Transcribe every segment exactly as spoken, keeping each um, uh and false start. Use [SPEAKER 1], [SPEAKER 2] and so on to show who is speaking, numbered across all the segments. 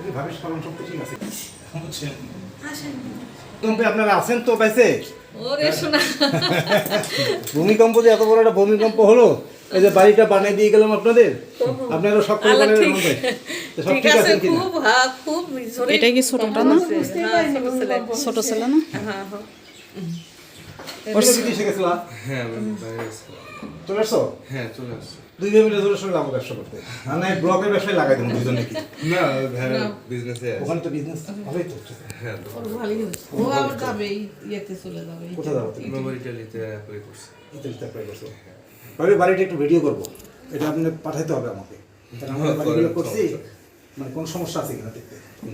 [SPEAKER 1] কি ভাবিস পালন সব ঠিক আছে বুঝছেন ভূমিকম্পে আপনারা আছেন তো পাইছে
[SPEAKER 2] ওরে শোনা
[SPEAKER 1] ভূমিকম্প যে এত বড় একটা ভূমিকম্প হলো এই যে বাড়িটা বানিয়ে দিয়ে গেলাম আপনাদের আপনারা সব করে বানিয়ে মধ্যে সব ঠিক আছে কি
[SPEAKER 2] খুব হ্যাঁ খুব জোরে
[SPEAKER 3] এটা কি ছোটটা না ছোট ছিল না
[SPEAKER 2] হ্যাঁ হ্যাঁ
[SPEAKER 1] ওর কি দিশে গেছলা
[SPEAKER 4] হ্যাঁ আমি বাইরে আছি।
[SPEAKER 1] চলে আসছো
[SPEAKER 4] হ্যাঁ চলে আসছি।
[SPEAKER 1] দুই ভাই মিলে জোরে সঙ্গে লাভ ব্যবসা করতে আর না ব্লগের ব্যবসায় লাগাই দেবো দুজনে কি
[SPEAKER 4] না ভ্যান বিজনেসে আছে।
[SPEAKER 1] ওখানে তো বিজনেস ভালোই তো হচ্ছে
[SPEAKER 4] হ্যাঁ তো
[SPEAKER 2] ভালোই হচ্ছে ও আবার যাবে ইয়েতে চলে যাবে
[SPEAKER 1] কোথায় যাবো তুমি
[SPEAKER 4] মেমোরি ইটালিতে অ্যাপ্লাই করছি।
[SPEAKER 1] ইতালিতে অ্যাপ্লাই করছো ভাবি বাড়িটা একটু ভিডিও করবো এটা আপনি পাঠাইতে হবে আমাকে কারণ আমরা বাড়িগুলো করছি মানে কোন সমস্যা আছে কিনা দেখতে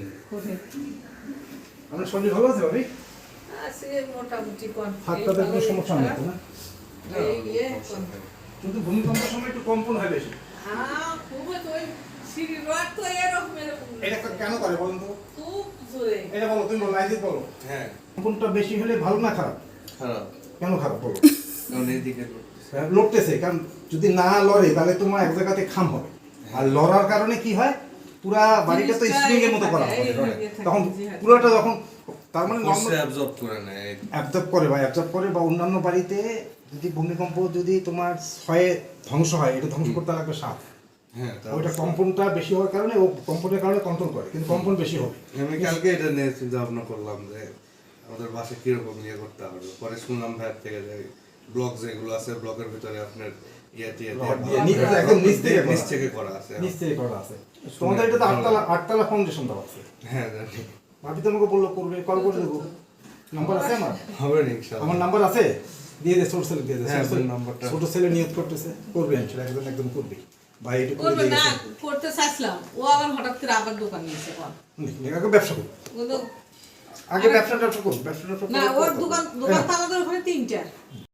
[SPEAKER 1] আপনার শরীর ভালো আছে ভাবি
[SPEAKER 2] আছে মোটামুটি কোন
[SPEAKER 1] হাত পাতে কোনো সমস্যা নেই তো না
[SPEAKER 2] এই ইয়ে কোন
[SPEAKER 1] কিন্তু ভূমিকম্পের সময় একটু কম্পন হয় বেশি
[SPEAKER 2] হ্যাঁ খুব তো ওই সিঁড়ি রড তো এরকম এরকম
[SPEAKER 1] এটা কেন করে বলুন তো
[SPEAKER 2] খুব জোরে
[SPEAKER 1] এটা বলো তুমি বলো আইজিৎ বলো
[SPEAKER 4] হ্যাঁ
[SPEAKER 1] কম্পনটা বেশি হলে ভালো না খারাপ
[SPEAKER 4] খারাপ
[SPEAKER 1] কেন খারাপ বলো
[SPEAKER 4] কারণ এইদিকে করতেছে।
[SPEAKER 1] হ্যাঁ, লড়তেছে কারণ যদি না লড়ে তাহলে তোমার এক জায়গাতে খাম হবে আর লড়ার কারণে কি হয় পুরা বাড়িটা তো স্প্রিং এর মতো করা হয় তখন পুরোটা যখন তার মানে
[SPEAKER 4] ফোর্সে অ্যাবজর্ব করে নেয়।
[SPEAKER 1] অ্যাবজর্ব করে বা অ্যাবজর্ব করে বা অন্যান্য বাড়িতে যদি ভূমিকম্প যদি তোমার হয় ধ্বংস হয় এটা ধ্বংস করতে লাগবে সাপ
[SPEAKER 4] হ্যাঁ তা
[SPEAKER 1] ওইটা কম্পনটা বেশি হওয়ার কারণে ও কম্পনের কারণে কন্ট্রোল করে কিন্তু কম্পন বেশি হবে
[SPEAKER 4] আমি কালকে এটা নিয়ে চিন্তা ভাবনা করলাম যে আমাদের বাসায় কিরকম ইয়ে করতে হবে পরে শুনলাম ভাইয়ের থেকে যে ব্লগ যেগুলো আছে ব্লগের ভিতরে আপনার ইয়ে টিয়ে
[SPEAKER 1] রড দিয়ে নিচ থেকে একদম নিচ থেকে
[SPEAKER 4] নিচ
[SPEAKER 1] করা।
[SPEAKER 4] থেকে করা আছে।
[SPEAKER 1] নিচ থেকে করা আছে তোমাদের এটা তো আটতলা আটতলা ফাউন্ডেশন দেওয়া আছে
[SPEAKER 4] হ্যাঁ জানি।
[SPEAKER 1] ভাবি তোমাকে বললো করবে কল করে দেবো নাম্বার আছে আমার
[SPEAKER 4] হবে না ইনশাআল্লাহ।
[SPEAKER 1] আমার নাম্বার আছে দিয়ে দে ছোট ছেলে দিয়ে দে
[SPEAKER 4] হ্যাঁ,
[SPEAKER 1] ছোট ছেলে-
[SPEAKER 4] নাম্বারটা।
[SPEAKER 1] ছোট ছেলে নিয়ত করতেছে করবে ইনশাআল্লাহ একদম একদম করবে ভাই এটা করে
[SPEAKER 2] করবে
[SPEAKER 1] দিয়ে
[SPEAKER 2] না
[SPEAKER 1] গেছে
[SPEAKER 2] করতে চাইছিলাম ও আবার হঠাৎ করে আবার দোকান নিয়েছে কোন
[SPEAKER 1] আগে ব্যবসা করো
[SPEAKER 2] ও তো
[SPEAKER 1] আগে ব্যবসা ব্যবসা করো ব্যবসা ব্যবসা
[SPEAKER 2] না
[SPEAKER 1] করো,
[SPEAKER 2] ওর
[SPEAKER 1] করো।
[SPEAKER 2] দোকান
[SPEAKER 1] এই
[SPEAKER 2] দোকান
[SPEAKER 1] নাও,
[SPEAKER 2] তো আমাদের ওখানে তিনটা